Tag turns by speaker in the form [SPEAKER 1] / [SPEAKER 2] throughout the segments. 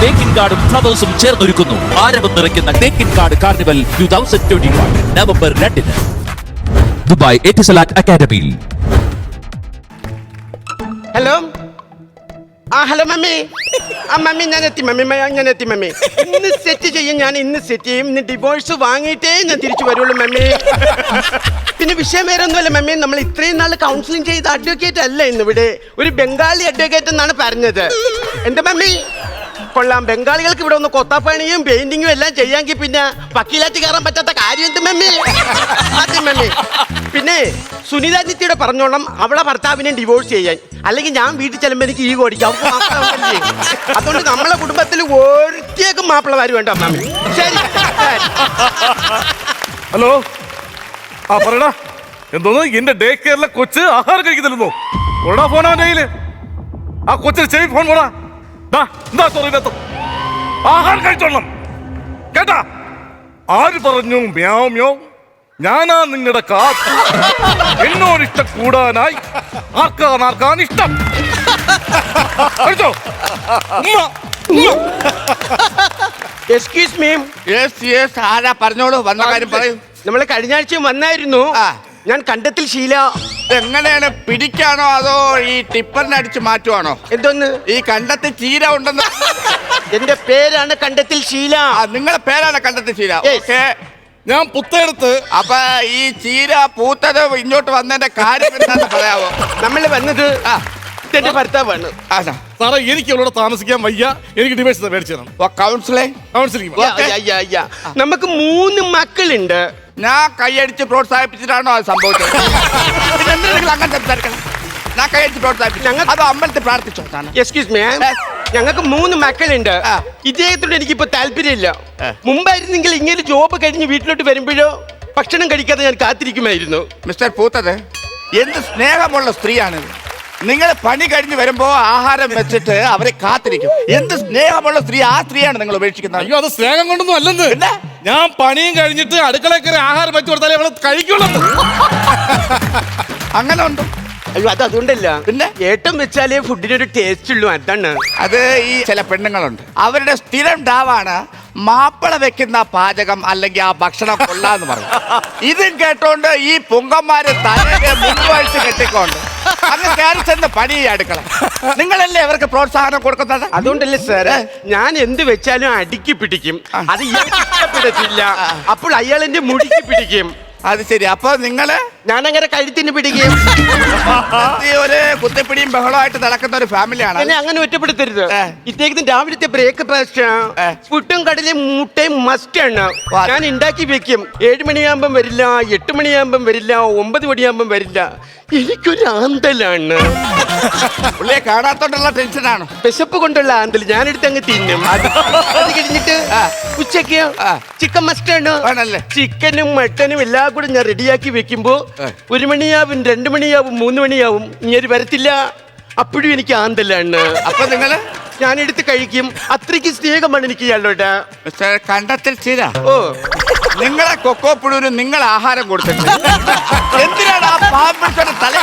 [SPEAKER 1] തേക്കിൻ കാർഡും ഫ്ലവേഴ്സും ചേർന്നൊരുക്കുന്നു ആരവം നിറയ്ക്കുന്ന Thekkinkadu carnival 2021 November 2 Dubai Etisalat അക്കാദമിയിൽ.
[SPEAKER 2] Hello hello mummy. മമ്മി ഞാൻ എത്തി മമ്മി. ഇന്ന് സെറ്റ് ചെയ്യും, ഞാൻ ഇന്ന് സെറ്റ് ചെയ്യും. ഇന്ന് ഡിവോഴ്സ് വാങ്ങിയിട്ടേ ഞാൻ തിരിച്ചു വരുള്ളൂ മമ്മി. പിന്നെ വിഷയം വേറെ ഒന്നുമല്ല മമ്മി, നമ്മൾ ഇത്രയും നാൾ കൗൺസിലിംഗ് ചെയ്ത അഡ്വക്കേറ്റ് അല്ല ഇന്നിവിടെ, ഒരു ബംഗാളി അഡ്വക്കേറ്റ് എന്നാണ് പറഞ്ഞത്. എന്താ മമ്മി? കൊള്ളാം. ബംഗാളികൾക്ക് ഇവിടെ ഒന്ന് കൊത്താപ്പണിയും പെയിന്റിങ്ങും എല്ലാം ചെയ്യാമെങ്കിൽ പിന്നെ വക്കീലാറ്റി കയറാൻ പറ്റാത്ത കാര്യം എന്ത് മമ്മി? അതെ മമ്മി. പിന്നെ സുനിത നിത്യയുടെ പറഞ്ഞോളം അവളെ ഭർത്താവിനെ ഡിവോഴ്സ് ചെയ്യാൻ, അല്ലെങ്കിൽ ഞാൻ വീട്ടിൽ ചെല്ലുമ്പോൾ എനിക്ക് ഈ ഓടിക്കാം. അതുകൊണ്ട് നമ്മളെ കുടുംബത്തിൽ ഒരിക്കലും മാപ്പിളമാര് വേണ്ട മമ്മി. ശരി.
[SPEAKER 3] ഹലോ, പറയടാ. എന്തോന്ന് എന്റെ ഡേ കെയറിലെ കൊച്ച് ആഹാരം കഴിക്കുന്നില്ലെന്നോ? ഓടാ ഫോൺ അവന്റെ കയ്യില്. ആ കൊച്ചിന് ചെവി ഫോൺ പോടാ. എന്താ ചോറിനകത്ത് ആഹാരം കഴിച്ചോളണം കേട്ടാ? ആര് പറഞ്ഞു മ്യാവ് മ്യാവ്? ഞാനാ നിങ്ങളുടെ കാത്ത്. എന്നോട് ഇഷ്ടം കൂടാനായി ആർക്കാൻ ഇഷ്ടം. കഴിച്ചോ?
[SPEAKER 2] Excuse me.
[SPEAKER 4] ആരാ? പറഞ്ഞോളൂ, വന്ന കാര്യം പറയൂ.
[SPEAKER 2] നമ്മൾ കഴിഞ്ഞ ആഴ്ചയും വന്നായിരുന്നു. ഞാൻ കണ്ടത്തിൽ ശീല.
[SPEAKER 4] എങ്ങനെയാണ്, പിടിക്കാണോ അതോ ഈ ടിപ്പറിനെ അടിച്ച് മാറ്റുവാണോ?
[SPEAKER 2] എന്തോന്ന്?
[SPEAKER 4] ഈ കണ്ടത്തിൽ ചീര ഉണ്ടെന്ന്.
[SPEAKER 2] എന്റെ പേരാണ് കണ്ടത്തിൽ ശീല.
[SPEAKER 4] നിങ്ങളെ പേരാണ് കണ്ടത്തിൽ ചീര? ഓക്കെ.
[SPEAKER 3] ഞാൻ പുത്തേടത്ത്.
[SPEAKER 4] അപ്പൊ ഈ ചീര പൂത്തത് ഇങ്ങോട്ട് വന്നതിന്റെ കാര്യം എന്താണെന്ന് പറയാവോ?
[SPEAKER 2] നമ്മൾ വന്നത് എന്റെ ഭർത്താവാണ്.
[SPEAKER 3] സാറേ, എനിക്ക് ഇവിടെ താമസിക്കാൻ വയ്യ. എനിക്ക് ഡിവോഴ്സ് മേടിച്ചു തരണം. കൗൺസിലിംഗ്.
[SPEAKER 2] നമുക്ക് 3 മക്കളുണ്ട്.
[SPEAKER 4] ഞാൻ കൈയടിച്ച് പ്രോത്സാഹിപ്പിച്ചിട്ടാണോ അത് സംഭവിച്ചത്? അങ്ങനെ സംസാരിക്കണം. ഞാൻ കൈയടിച്ച് പ്രോത്സാഹിപ്പിച്ചു, അത് അമ്പലത്തിൽ പ്രാർത്ഥിച്ചോ?
[SPEAKER 2] Excuse me. ഞങ്ങൾക്ക് 3 മക്കളുണ്ട്. ഇദ്ദേഹത്തോട് എനിക്കിപ്പോ താല്പര്യമില്ല. മുമ്പായിരുന്നെങ്കിൽ ഇങ്ങനെ ജോബ് കഴിഞ്ഞ് വീട്ടിലോട്ട് വരുമ്പോഴോ ഭക്ഷണം കഴിക്കാതെ ഞാൻ കാത്തിരിക്കുമായിരുന്നു.
[SPEAKER 4] മിസ്റ്റർ പൂത്തത്, എന്ത് സ്നേഹമുള്ള സ്ത്രീയാണിത്. നിങ്ങൾ പണി കഴിഞ്ഞ് വരുമ്പോ ആഹാരം വെച്ചിട്ട് അവരെ കാത്തിരിക്കും. എന്ത് സ്നേഹമുള്ള സ്ത്രീ, ആ സ്ത്രീയാണ് നിങ്ങൾ ഉപേക്ഷിക്കുന്നത്.
[SPEAKER 3] അയ്യോ, അത് സ്നേഹം കൊണ്ടൊന്നും അല്ലെന്ന്. ഞാൻ പണിയും കഴിഞ്ഞിട്ട് അടുക്കളയിൽ കയറി ആഹാരം വെച്ച് കൊടുത്താലേ അവളെ കഴിക്കുള്ളൂ.
[SPEAKER 4] അങ്ങനെ ഉണ്ട്.
[SPEAKER 2] അയ്യോ, അത് അതുകൊണ്ടല്ല.
[SPEAKER 4] പിന്നെ
[SPEAKER 2] ഏട്ടം വെച്ചാലേ ഫുഡിനൊരു ടേസ്റ്റ് ഉള്ളൂ, അതാണ്.
[SPEAKER 4] അത് ഈ ചില പെണ്ണുങ്ങളുണ്ട്, അവരുടെ സ്ഥിരം ഡാവാണ് മാപ്പിള വെക്കുന്ന പാചകം അല്ലെങ്കിൽ ആ ഭക്ഷണം കൊള്ളാന്ന് പറയും. ഇതും കേട്ടോണ്ട് ഈ പൊങ്കന്മാര് തലയെ മുൻവഴിച്ച് കെട്ടിക്കൊണ്ട് അങ്ങ് കയറി ചെന്ന് പണി അടുക്കള. നിങ്ങളല്ലേ അവർക്ക് പ്രോത്സാഹനം കൊടുക്കുന്നത്?
[SPEAKER 2] അതുകൊണ്ടല്ലേ സാറ് ഞാൻ എന്ത് വെച്ചാലും അടുക്കി പിടിക്കും. അത് ഇഷ്ടപ്പെടത്തില്ല, അപ്പോൾ അയാൾ എന്റെ മുടിക്ക് പിടിക്കും.
[SPEAKER 4] അത് ശരി. അപ്പൊ നിങ്ങള്
[SPEAKER 2] ഞാനങ്ങനെ കഴുത്തിന് പിടിക്കും.
[SPEAKER 4] ഒരു കുത്തിപ്പിടിയും ബഹളമായിട്ട് നടക്കുന്ന ഒരു ഫാമിലിയാണ്.
[SPEAKER 2] എന്നെ അങ്ങനെ ഒറ്റപ്പെടുത്തരുത്. ഇദ്ദേഹത്തിന് രാവിലത്തെ ബ്രേക്ക്ഫാസ്റ്റ് പുട്ടും കടലയും മുട്ടയും മസ്റ്റ് ആണ്. ഞാൻ ഉണ്ടാക്കി വെക്കും. 7 മണിയാകുമ്പം വരില്ല, 8 മണിയാകുമ്പം വരില്ല, 9 മണിയാകുമ്പം വരില്ല. എനിക്കൊരു ആന്തലാണ്.
[SPEAKER 4] പുള്ളിയെ കാണാത്തോണ്ടുള്ള ടെൻഷനാണ്.
[SPEAKER 2] വിശപ്പ് കൊണ്ടുള്ള ആന്തൽ. ഞാനെടുത്ത് അങ്ങ് തിന്നും. അത് കഴിഞ്ഞിട്ട് ഉച്ചക്ക് ചിക്കൻ മസ്റ്റാണ്. ചിക്കനും മട്ടനും എല്ലാം കൂടെ ഞാൻ റെഡിയാക്കി വെക്കുമ്പോ 1 മണിയാവും, 2 മണിയാവും, 3 മണിയാവും. ഇങ്ങനെ വരത്തില്ല. അപ്പോഴും എനിക്ക് ആന്തലാണ്.
[SPEAKER 4] അപ്പൊ നിങ്ങള്
[SPEAKER 2] ഞാനെടുത്ത് കഴിക്കും. അത്രയ്ക്ക് സ്നേഹമാണ് എനിക്ക് ഇയാളോട്.
[SPEAKER 4] കണ്ടത്തിൽ ചീര.
[SPEAKER 2] ഓ,
[SPEAKER 4] നിങ്ങളെ കൊക്കോ പുഴുവിന് നിങ്ങൾ ആഹാരം കൊടുത്തിട്ട് എന്തിനാണ് ആ പാമ്പിന്റെ തല?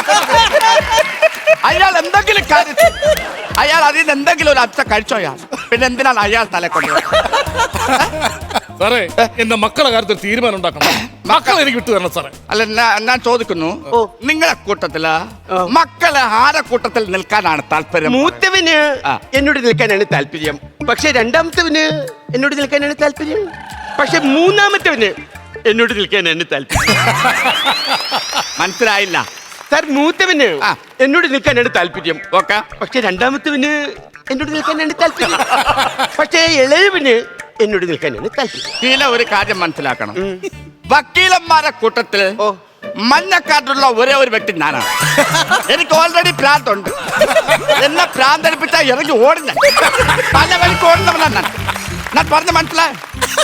[SPEAKER 4] അയാൾ എന്തെങ്കിലും കാര്യത്തിൽ അയാൾ അതിൽ നിന്ന് എന്തെങ്കിലും ഒരു അച്ഛ കഴിച്ചോ? പിന്നെ എന്തിനാണ് അയാൾ തല കൊണ്ട്?
[SPEAKER 3] സാറേ, എന്റെ മക്കളെ കാര്യത്തിൽ തീരുമാനം ഉണ്ടാക്കണം. മക്കളെ എനിക്ക് വിട്ടു തരണം സാറേ.
[SPEAKER 4] അല്ല, ഞാൻ ചോദിക്കുന്നു, നിങ്ങളെ കൂട്ടത്തില് മക്കളെ ആരെ കൂട്ടത്തിൽ നിൽക്കാനാണ് താല്പര്യം?
[SPEAKER 2] മൂത്തവന് എന്നോട് നിൽക്കാനാണ് താല്പര്യം. പക്ഷെ രണ്ടാമത്തവന് എന്നോട് നിൽക്കാനാണ് താല്പര്യം. പക്ഷെ മൂന്നാമത്തവന് എന്നോട് നിൽക്കാനാണ് താല്പര്യം.
[SPEAKER 4] മനസ്സിലായില്ല
[SPEAKER 2] സാർ. മൂത്തവന് എന്നോട് നിൽക്കാനാണ് താല്പര്യം.
[SPEAKER 4] ഓക്കെ.
[SPEAKER 2] പക്ഷെ രണ്ടാമത്തവന് എന്നോട് നിൽക്കാനാണ് താല്പര്യം. പക്ഷേ ഇളയവന് എന്നോട് നിൽക്കാനാണ് താല്പര്യം.
[SPEAKER 4] ഇതിലെ ഒരു കാര്യം മനസ്സിലാക്കണം. വക്കീലന്മാരെ കൂട്ടത്തിൽ മഞ്ഞക്കാട്ടുള്ള ഒരേ ഒരു വ്യക്തി ഞാനാണ്. എനിക്ക് ഓൾറെഡി പ്രാന്തുണ്ട്. എന്നെ പ്രാന്തടിപ്പിച്ചാ ഇറങ്ങി ഓടുന്ന പല വഴിക്ക് ഓടുന്നവനാണ് ഞാൻ പറഞ്ഞ മനസ്സിലായ.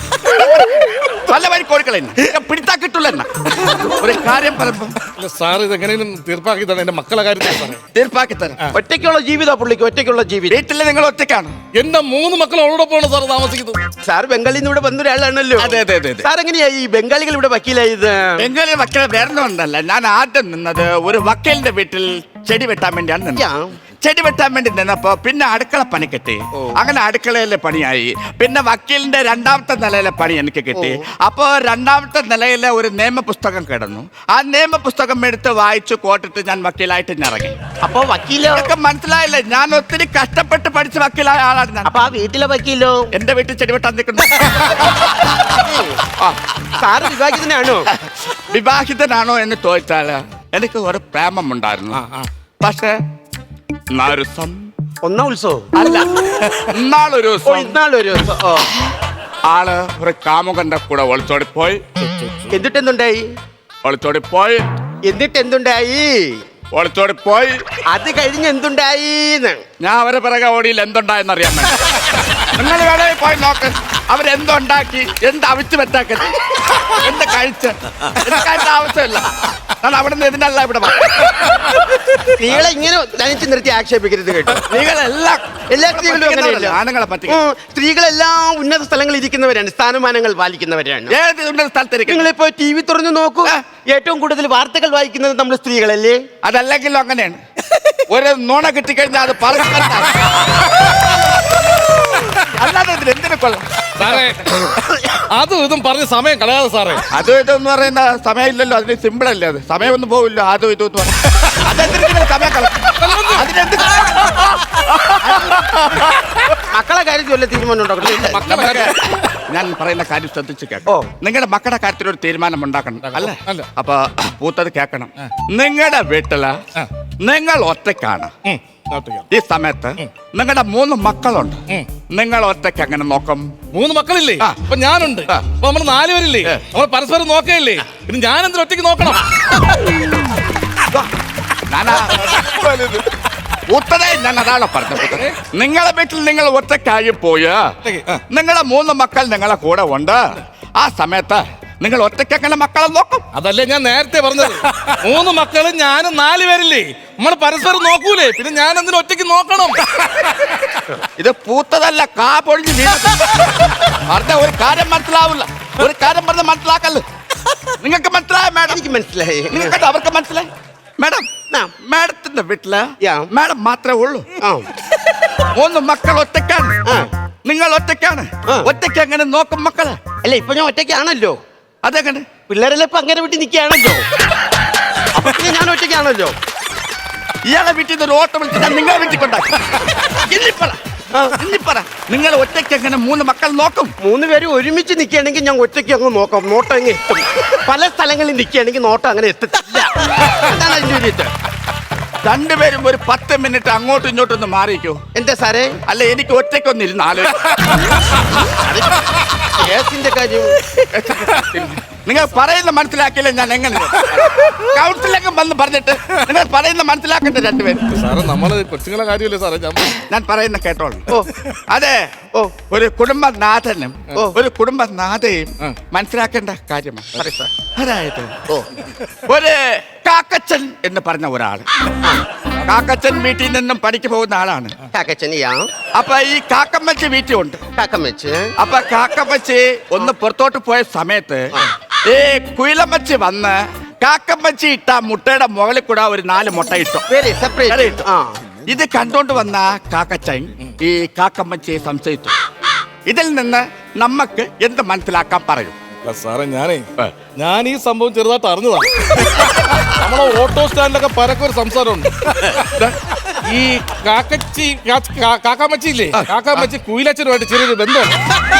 [SPEAKER 4] പല വഴിക്ക് ഓടിക്കളെ പിടിച്ചാ കിട്ടുള്ള ഒരു കാര്യം പറയുമ്പോ
[SPEAKER 3] സാർ ഇത് എങ്ങനെയും തീർപ്പാക്കി തന്നെ എന്റെ മക്കളെ കാര്യത്തിൽ
[SPEAKER 4] തീർപ്പാക്കി തരാം.
[SPEAKER 2] ഒറ്റയ്ക്കുള്ള ജീവിതം പുള്ളിക്ക്, ഒറ്റയ്ക്കുള്ള ജീവിതം.
[SPEAKER 4] വീട്ടില് നിങ്ങൾ ഒറ്റയ്ക്കാണ്.
[SPEAKER 3] എന്റെ 3 മക്കൾ അവളോടൊപ്പമാണ് സാർ താമസിക്കുന്നത്.
[SPEAKER 2] സാർ ബംഗാളിൽ നിന്ന് ഇവിടെ വന്ന ഒരാളാണല്ലോ.
[SPEAKER 4] അതെ അതെ അതെ.
[SPEAKER 2] സാർ എങ്ങനെയാ ഈ ബംഗാളികൾ ഇവിടെ വക്കീലായത്?
[SPEAKER 4] ബംഗാളി വക്കീൽ വേറൊന്നുമല്ല. ഞാൻ ആദ്യം നിന്നത് ഒരു വക്കീലിന്റെ വീട്ടിൽ ചെടി വെട്ടാൻ വേണ്ടിയാണ് നിന്നത്. ചെടി വെട്ടാൻ വേണ്ടി നിന്നപ്പോ പിന്നെ അടുക്കള പണി കിട്ടി. അങ്ങനെ അടുക്കളയിലെ പണിയായി. പിന്നെ വക്കീലിന്റെ രണ്ടാമത്തെ നിലയിലെ പണി എനിക്ക് കിട്ടി. അപ്പോ രണ്ടാമത്തെ നിലയിലെ ഒരു നിയമപുസ്തകം കിടന്നു. ആ നിയമപുസ്തകം എടുത്ത് വായിച്ചു കോട്ടിട്ട് ഞാൻ വക്കീലായിട്ട് ഇറങ്ങി.
[SPEAKER 2] അപ്പൊ വക്കീലോ?
[SPEAKER 4] മനസ്സിലായില്ലേ, ഞാൻ ഒത്തിരി കഷ്ടപ്പെട്ട് പഠിച്ച് വക്കീലായ ആളാണ് ഞാൻ.
[SPEAKER 2] അപ്പൊ ആ വീട്ടിലെ വക്കീലോ?
[SPEAKER 4] എന്റെ വീട്ടിൽ ചെടി വെട്ടാൻ നിൽക്കുന്നു.
[SPEAKER 2] സാറ് വിവാഹിതനാണോ?
[SPEAKER 4] വിവാഹിതനാണോ എന്ന് ചോദിച്ചാല് എനിക്ക് ഒരു പ്രേമമുണ്ടായിരുന്നു. പക്ഷെ
[SPEAKER 2] ഒന്നാം ഉത്സവം
[SPEAKER 4] അല്ല, ഇന്നാളൊരു ദിവസം
[SPEAKER 2] ഇന്നാളൊരു ദിവസം
[SPEAKER 4] ആള് ഒരു കാമുകന്റെ കൂടെ ഒളിച്ചോടിപ്പോയി.
[SPEAKER 2] എന്നിട്ടെന്തുണ്ടായി?
[SPEAKER 4] ഒളിച്ചോടിപ്പോയി.
[SPEAKER 2] എന്നിട്ടെന്തുണ്ടായി?
[SPEAKER 4] ഒളിച്ചോടിപ്പോയി.
[SPEAKER 2] അത് കഴിഞ്ഞ് എന്തുണ്ടായി?
[SPEAKER 4] ഞാൻ അവരെ പിറകെ ഓടിയിൽ എന്തുണ്ടായെന്ന് അറിയാൻ വേണ്ടി. നിങ്ങൾ വേണേ പോയി നോക്ക്. അവരെന്തുണ്ടാക്കി, എന്ത് അവിച്ച് വെച്ചാക്കി, എന്ത് കഴിച്ച്, എനിക്കതിന്റെ ആവശ്യമില്ല. ഞാൻ അവിടെ നിന്ന് ഇതിനല്ല ഇവിടെ.
[SPEAKER 2] സ്ത്രീകളെ ഇങ്ങനെ നനച്ച് നിർത്തി ആക്ഷേപിക്കരുത് കേട്ടോ. എല്ലാ സ്ത്രീകളും അങ്ങനെയല്ല.
[SPEAKER 4] ആണുങ്ങളെ പറ്റി
[SPEAKER 2] സ്ത്രീകളെല്ലാം ഉന്നത സ്ഥലങ്ങളിൽ ഇരിക്കുന്നവരാണ്, സ്ഥാനമാനങ്ങൾ പാലിക്കുന്നവരാണ്.
[SPEAKER 4] ഏത് ഉന്നത സ്ഥലത്തിരിക്കും?
[SPEAKER 2] നിങ്ങളിപ്പോ ടി വി തുറന്നു നോക്കൂ, ഏറ്റവും കൂടുതൽ വാർത്തകൾ വായിക്കുന്നത് നമ്മൾ സ്ത്രീകളല്ലേ?
[SPEAKER 4] അതല്ലെങ്കിലും അങ്ങനെയാണ്. ഒരു നുണ കിട്ടിക്കഴിഞ്ഞാൽ അത് പറഞ്ഞു അല്ലാതെ എന്തിനു കൊള്ളാം
[SPEAKER 3] സാറേ. അതും ഇതും പറഞ്ഞ് സമയം കളയാതെ സാറേ.
[SPEAKER 4] അതും ഇതെന്ന് പറയുന്ന സമയമില്ലല്ലോ, അതിന് സിമ്പിൾ അല്ലേ അത്. സമയമൊന്നും പോവില്ല. അതും ഇതും എന്ന് പറയാം. അതെന്തിനും സമയം കളയും.
[SPEAKER 2] മക്കളെ കാര്യത്തിൽ വല്ല തീരുമാനം ഉണ്ടാക്കണം.
[SPEAKER 4] ഞാൻ പറയുന്ന കാര്യം ശ്രദ്ധിച്ചു കേൾക്കാം. നിങ്ങളുടെ മക്കളുടെ കാര്യത്തിൽ ഒരു തീരുമാനം ഉണ്ടാക്കണം അല്ലേ? അപ്പൊ പൂത്തത് കേൾക്കണം. നിങ്ങളുടെ വീട്ടില് നിങ്ങൾ ഒറ്റയ്ക്കാണ്. ഈ സമയത്ത് നിങ്ങളുടെ 3 മക്കളുണ്ട്. നിങ്ങൾ ഒറ്റയ്ക്ക് എങ്ങനെ നോക്കും?
[SPEAKER 3] 3 മക്കളില്ലേ? അപ്പൊ ഞാനുണ്ട്. അപ്പൊ നമ്മൾ 4 പേരില്ലേ? നമ്മൾ പരസ്പരം നോക്കയില്ലേ? പിന്നെ ഞാൻ എന്തിനും ഒറ്റയ്ക്ക് നോക്കണം?
[SPEAKER 4] പൂത്തതേ ഞാൻ അതാണ് പറഞ്ഞത്. നിങ്ങളെ വീട്ടിൽ നിങ്ങൾ ഒറ്റയ്ക്കായി പോയ നിങ്ങളെ 3 മക്കൾ നിങ്ങളെ കൂടെ ഉണ്ട്. ആ സമയത്ത് നിങ്ങൾ ഒറ്റയ്ക്ക് എങ്ങനെ മക്കളെ നോക്കും?
[SPEAKER 3] അതല്ലേ ഞാൻ നേരത്തെ പറഞ്ഞത്. 3 മക്കളും ഞാനും 4 പേരില്ലേ? നമ്മൾ പരസ്പരം നോക്കൂലേ? പിന്നെ ഞാൻ എന്തിനും ഒറ്റയ്ക്ക് നോക്കണം?
[SPEAKER 4] ഇത് പൂത്തതല്ല, കാ പൊഴിഞ്ഞ് പറഞ്ഞ ഒരു കാര്യം മനസ്സിലാവില്ല. ഒരു കാര്യം പറഞ്ഞ് മനസ്സിലാക്കല്ലേ. നിങ്ങൾക്ക് മനസ്സിലായ മാഡം?
[SPEAKER 2] എനിക്ക് മനസ്സിലായി.
[SPEAKER 4] നിങ്ങൾക്ക് അവർക്ക് മനസ്സിലായി മാഡം? മാഡത്തിന്റെ വീട്ടില് മാഡം മാത്രമേ ഉള്ളൂ. 3 മക്കൾ ഒറ്റയ്ക്കാണ്. നിങ്ങൾ ഒറ്റയ്ക്കാണ്. ഒറ്റയ്ക്ക് എങ്ങനെ നോക്കും മക്കളെ?
[SPEAKER 2] അല്ല, ഇപ്പൊ ഞാൻ ഒറ്റയ്ക്കാണല്ലോ.
[SPEAKER 4] അതെങ്ങനെ?
[SPEAKER 2] പിള്ളേരെല്ലാം ഇപ്പൊ അങ്ങനെ വീട്ടിൽ നിൽക്കുകയാണല്ലോ. ഞാൻ ഒറ്റയ്ക്കാണല്ലോ.
[SPEAKER 4] ഇയാളെ വീട്ടിൽ നിന്ന് ഒരു ഓട്ടം വിളിച്ചാൽ നിങ്ങളെ വീട്ടിൽ കൊണ്ടാക്കി. നിങ്ങൾ ഒറ്റയ്ക്ക് എങ്ങനെ 3 മക്കൾ നോക്കും? 3
[SPEAKER 2] പേരും ഒരുമിച്ച് നിൽക്കുകയാണെങ്കിൽ ഞാൻ ഒറ്റയ്ക്ക് അങ്ങ് നോക്കാം. നോട്ടം അങ്ങ് എത്തും. പല സ്ഥലങ്ങളിൽ നിൽക്കുകയാണെങ്കിൽ നോട്ടം അങ്ങനെ എത്തത്തില്ല. അതാണ് അതിന്റെ ഒരു ഇത്.
[SPEAKER 4] 2 പേരും ഒരു 10 മിനിറ്റ് അങ്ങോട്ടും ഇങ്ങോട്ടും ഒന്ന് മാറിക്കോ.
[SPEAKER 2] എന്താ സാറേ?
[SPEAKER 4] അല്ല, എനിക്ക് ഒറ്റയ്ക്കൊന്ന് ഇരുന്ന്
[SPEAKER 2] കേസിന്റെ കാര്യം
[SPEAKER 4] നിങ്ങൾ പറയുന്ന മനസ്സിലാക്കിയില്ല. ഞാൻ എങ്ങനെ കൗൺസിലൊക്കെ വന്ന് പറഞ്ഞിട്ട് നിങ്ങൾ പറയുന്ന മനസ്സിലാക്കട്ടെ 2 പേരും.
[SPEAKER 3] സാറേ, നമ്മള് കൊച്ചുങ്ങളെ കാര്യമല്ലേ സാറേ?
[SPEAKER 4] ഞാൻ പറയുന്ന കേട്ടോളൂ. അതെ, ഒരു കുടുംബനാഥനും ഒരു കുടുംബനാഥയും മനസ്സിലാക്കേണ്ട കാര്യമാണ്. അതായത് ഒരു കാക്കച്ചൻ എന്ന് പറഞ്ഞ ഒരാള്, കാക്കച്ചൻ വീട്ടിൽ നിന്നും പണിക്ക് പോകുന്ന ആളാണ്.
[SPEAKER 2] കാക്കച്ചനിയാ?
[SPEAKER 4] അപ്പൊ ഈ കാക്കമ്മച്ചി വീട്ടിൽ ഉണ്ട്.
[SPEAKER 2] കാക്കമ്മച്ച്
[SPEAKER 4] അപ്പൊ കാക്കമ്മച്ചി ഒന്ന് പുറത്തോട്ട് പോയ സമയത്ത് ഈ കുയിലമ്മച്ചി വന്ന് കാക്കമ്മച്ചി ഇട്ട മുട്ടയുടെ മുകളിൽ കൂടെ ഒരു 4 മുട്ട ഇട്ടു.
[SPEAKER 2] സെപ്പറേറ്റ്.
[SPEAKER 4] ഇത് കണ്ടോണ്ട് വന്ന കാക്കച്ചൻ ഈ കാക്കമ്മച്ചിയെ സംശയിച്ചു. ഇതിൽ നിന്ന് നമുക്ക് എന്ത് മനസ്സിലാക്കാൻ പറയും?
[SPEAKER 3] സാറേ, ഞാൻ ഈ സംഭവം ചെറുതായിട്ട് അറിഞ്ഞതാണ്. നമ്മളെ ഓട്ടോ സ്റ്റാൻഡിലൊക്കെ പരക്കൊരു സംസാരമുണ്ട്. ഈ കാക്കാമച്ചി ഇല്ലേ? കാക്കാമച്ചി കുയിലച്ചനുമായിട്ട് ചെറിയൊരു ബന്ധമുണ്ട്.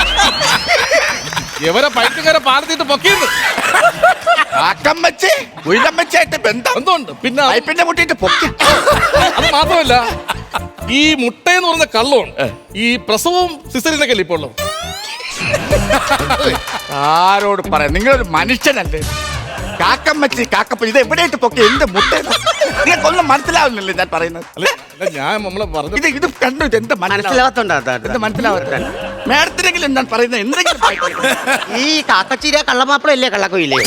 [SPEAKER 3] ഇവരെ പൈറ്റുകാരെ പാലത്തിട്ട് പൊക്കിയത്.
[SPEAKER 4] കാക്കമ്മച്ചി കുയിലമ്മച്ചിയായിട്ട് ബന്ധമുണ്ട്.
[SPEAKER 3] പിന്നെ
[SPEAKER 4] പൈപ്പിന്റെ മുട്ടിയിട്ട് പൊക്കി.
[SPEAKER 3] അത് മാത്രമല്ല, ഈ മുട്ടയെന്ന് പറഞ്ഞ കള്ളമാണ്. ഈ പ്രസവവും സിസറിനൊക്കെ അല്ലേ ഇപ്പോൾ ഉള്ളത്?
[SPEAKER 4] ആരോട് പറയാം? നിങ്ങളൊരു മനുഷ്യനല്ലേ? കാക്കമ്മച്ചി കാക്കപ്പ ഇത് എവിടെയായിട്ട് പൊക്കി എന്ത് മുട്ട? നിങ്ങൾക്കൊന്നും മനസ്സിലാവുന്നില്ലേ ഞാൻ പറയുന്നത്?
[SPEAKER 3] ഞാൻ നമ്മളെ പറഞ്ഞു
[SPEAKER 4] ഇത് കണ്ടു. ഇത് എന്താ
[SPEAKER 2] മനസ്സിലാവാത്തോണ്ടാ?
[SPEAKER 4] എന്ത് മനസ്സിലാവാത്ത മേഡത്തിനെങ്കിലും ഞാൻ പറയുന്നത് എന്തെങ്കിലും
[SPEAKER 2] ഈ കാക്കച്ചീര കള്ളമാപ്പിളല്ലേ കള്ളക്കൊയില്ലേ?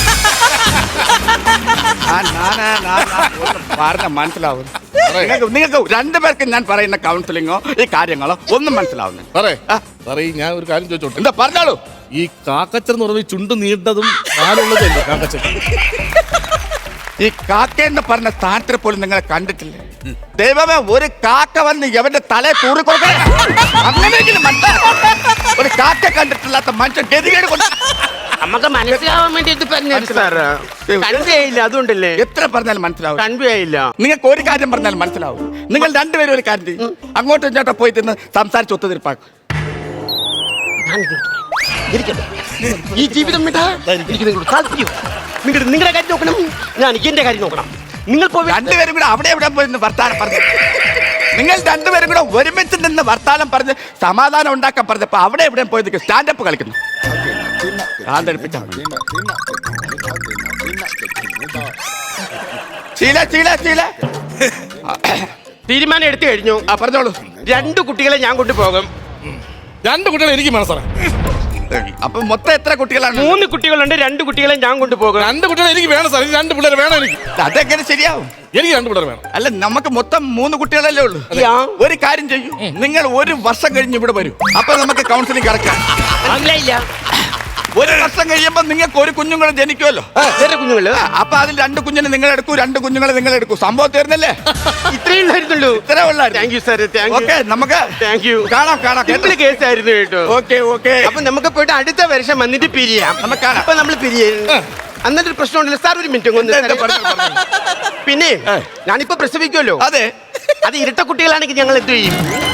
[SPEAKER 4] പറഞ്ഞ മനസ്സിലാവും. നിങ്ങൾക്ക് 2 പേർക്ക് ഞാൻ പറയുന്ന കൗൺസിലിങ്ങോ ഈ കാര്യങ്ങളോ ഒന്നും മനസ്സിലാവുന്നു.
[SPEAKER 3] സാറേ, ഞാൻ ഒരു കാര്യം ചോദിച്ചോട്ടെ?
[SPEAKER 4] എന്താ പറഞ്ഞോളൂ.
[SPEAKER 3] ഈ കാക്കച്ചൻ എന്ന് പറയുമ്പോൾ ചുണ്ട് നീണ്ടതും കാലുള്ളതല്ലേ കാക്കച്ചൻ?
[SPEAKER 4] ഈ കാക്ക എന്ന് പറഞ്ഞ സ്ഥാനത്തിൽ പോലും നിങ്ങളെ കണ്ടിട്ടില്ലേ? ദൈവമേ ഒരു കാക്ക വന്ന് എവന്റെ തലയെ തൂറി കൊടുക്കണേ. അങ്ങനെയെങ്കിലും മനസ്സിലാക്കണം. ഒരു കാക്ക കണ്ടിട്ടില്ലാത്ത മനുഷ്യൻ ഗതികേട് കൊണ്ട്
[SPEAKER 2] നമുക്ക് മനസ്സിലാവാൻ വേണ്ടി ഇത് പറഞ്ഞു സാറ്. കൺവേ ആയില്ല, അതുകൊണ്ടല്ലേ.
[SPEAKER 4] എത്ര പറഞ്ഞാലും മനസ്സിലാവും.
[SPEAKER 2] കൺവേ ആയില്ല.
[SPEAKER 4] നിങ്ങൾക്ക് ഒരു കാര്യം പറഞ്ഞാൽ മനസ്സിലാവും. നിങ്ങൾ രണ്ടുപേരും ഒരു കാര്യം ചെയ്യും, അങ്ങോട്ടും ഇങ്ങോട്ടും പോയി തിന്ന് സംസാരിച്ച് ഒത്തുതീർപ്പാക്കും.
[SPEAKER 2] ഈ ജീവിതം വിട്ടാ എനിക്ക് നിങ്ങളോട് താല്പര്യം. നിങ്ങളുടെ കാര്യം നോക്കണം, ഞാൻ എന്റെ കാര്യം നോക്കണം. നിങ്ങൾ പോയി
[SPEAKER 4] രണ്ടുപേരും കൂടെ അവിടെ എവിടെ പോയി നിന്ന് വർത്താനം പറഞ്ഞു. നിങ്ങൾ രണ്ടുപേരും കൂടെ ഒരുമിച്ച് നിന്ന് വർത്താനം പറഞ്ഞ് സമാധാനം ഉണ്ടാക്കാൻ പറഞ്ഞപ്പോ അവിടെ എവിടെ പോയി നിൽക്കും സ്റ്റാൻഡപ്പ് കളിക്കുന്നു.
[SPEAKER 2] തീരുമാനം എടുത്തു കഴിഞ്ഞു.
[SPEAKER 4] പറഞ്ഞോളൂ.
[SPEAKER 2] 2 കുട്ടികളെ ഞാൻ കൊണ്ടുപോകും.
[SPEAKER 3] 2 കുട്ടികളെ എനിക്ക് വേണം സാറേ.
[SPEAKER 4] അപ്പൊ മൊത്തം എത്ര കുട്ടികളാണ്?
[SPEAKER 2] 3 കുട്ടികളുണ്ട്. 2 കുട്ടികളെ ഞാൻ കൊണ്ടുപോകും.
[SPEAKER 3] 2 കുട്ടികളെ എനിക്ക് വേണം സാർ. 2 പിള്ളേരെ വേണം എനിക്ക്.
[SPEAKER 4] അതെങ്ങനെ ശരിയാവും?
[SPEAKER 3] എനിക്ക് 2 പിള്ളേരെ വേണം.
[SPEAKER 4] അല്ല, നമുക്ക് മൊത്തം 3 കുട്ടികളല്ലേ ഉള്ളൂ. ഒരു കാര്യം ചെയ്യൂ, നിങ്ങൾ 1 വർഷം കഴിഞ്ഞ് ഇവിടെ വരും. അപ്പൊ നമുക്ക് കൗൺസിലിംഗ് കിടക്കാം.
[SPEAKER 2] മനസ്സിലായില്ല.
[SPEAKER 4] 1 വർഷം കഴിയുമ്പോ നിങ്ങൾക്ക് 1 കുഞ്ഞുങ്ങളെ ജനിക്കുമല്ലോ.
[SPEAKER 2] കുഞ്ഞുങ്ങള്.
[SPEAKER 4] അപ്പൊ അതിൽ 2 കുഞ്ഞിനെ നിങ്ങൾ എടുക്കൂ, 2 കുഞ്ഞുങ്ങളെ നിങ്ങൾ എടുക്കൂ. സംഭവം തീർന്നല്ലേ?
[SPEAKER 2] ഇത്രയേ ഉള്ളായിരുന്നുള്ളൂ.
[SPEAKER 4] ഇത്രേ ഉള്ളായിരുന്നു.
[SPEAKER 2] Thank you sir.
[SPEAKER 4] ഓക്കെ, നമുക്ക്
[SPEAKER 2] താങ്ക് യു.
[SPEAKER 4] കാണാം കാണാം.
[SPEAKER 2] സിമ്പിൾ കേസ് ആയിരുന്നു കേട്ടോ.
[SPEAKER 4] Okay okay.
[SPEAKER 2] അപ്പൊ നമുക്ക് പോയിട്ട് അടുത്ത വർഷം വന്നിട്ട് പിരിയാം.
[SPEAKER 4] നമുക്ക് കാണാം.
[SPEAKER 2] അപ്പൊ നമ്മൾ പിരിയാം. അന്നൊരു പ്രശ്നമുണ്ടല്ലോ സാർ. ഒരു മിനിറ്റ്. പിന്നെ ഞാനിപ്പോ പ്രസവിക്കുമല്ലോ.
[SPEAKER 4] അതെ.
[SPEAKER 2] അത് ഇരട്ട കുട്ടികളാണെങ്കിൽ ഞങ്ങൾ എന്ത് ചെയ്യും?